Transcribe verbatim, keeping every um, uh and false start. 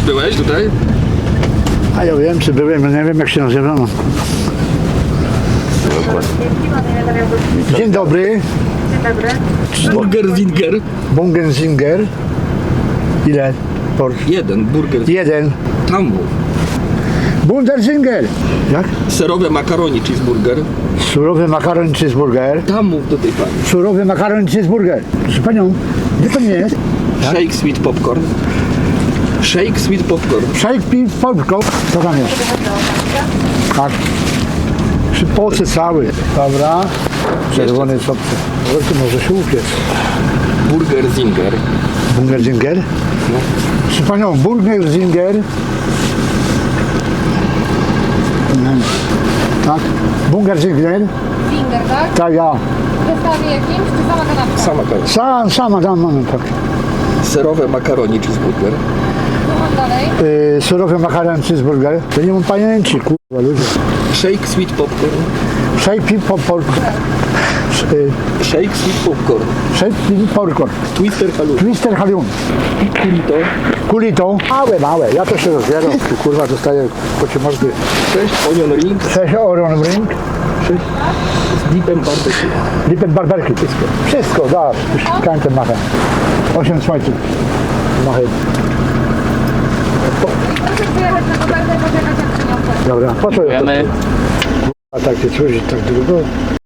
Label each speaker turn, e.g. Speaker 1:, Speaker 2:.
Speaker 1: byłeś tutaj?
Speaker 2: A ja wiem, czy byłem, no nie wiem jak się nazywa. No. Dzień dobry.
Speaker 1: Burger Zinger.
Speaker 2: Bungenzinger. Ile? Por...
Speaker 1: Jeden, burger.
Speaker 2: Jeden.
Speaker 1: Tam mów.
Speaker 2: Bunderzinger. Jak?
Speaker 1: Serowe makaroni cheeseburger.
Speaker 2: Surowy makaron cheeseburger.
Speaker 1: Tam mów do tej pani.
Speaker 2: Surowy makaron cheeseburger. Proszę panią, gdzie pan jest?
Speaker 1: Shake sweet popcorn. Shake sweet popcorn.
Speaker 2: Shake pi popcorn. Co tam jest? Tak. Przypocy cały. Dobra. Czerwony sopce. Ale tu może się upiec.
Speaker 1: Burger Zinger.
Speaker 2: Bungerzinger?
Speaker 1: No.
Speaker 2: Proszę panią, Burgerzinger. Tak? Bungerzinger?
Speaker 3: Finger, tak?
Speaker 2: Tak, ja.
Speaker 3: W zestawie jakimś, czy sama kanapka?
Speaker 1: Sama kanapka.
Speaker 2: Sam, sama dam, mamy tak.
Speaker 1: Serowe makaroni cheeseburger.
Speaker 3: Co mam dalej?
Speaker 2: Yy, surowy makaron cheeseburger. To nie mam pamięci, kurwa, ludzie.
Speaker 1: Shake sweet popcorn.
Speaker 2: Shake pi popcorn. Yy,
Speaker 1: Shake sweet popcorn.
Speaker 2: Shake pi popcorn.
Speaker 1: Twister halloumi.
Speaker 2: Twister halium.
Speaker 1: Kulito.
Speaker 2: Kulito. Małe, małe. Ja to się rozbieram. Tu kurwa dostaję kocie mordy.
Speaker 1: Sześć onion ring.
Speaker 2: Sześć oron ring.
Speaker 1: Sześć z dipem barbecue.
Speaker 2: Lipet barberki. Wszystko. Wszystko, dasz. Już kańczę machę. Osiem słońców. Machę.
Speaker 3: Proszę przyjechać na kopertę, poczekać jak przyniosę.
Speaker 2: Dobra, po co ja to?
Speaker 4: Dziękujemy.
Speaker 2: A tak się czuć, tak długo.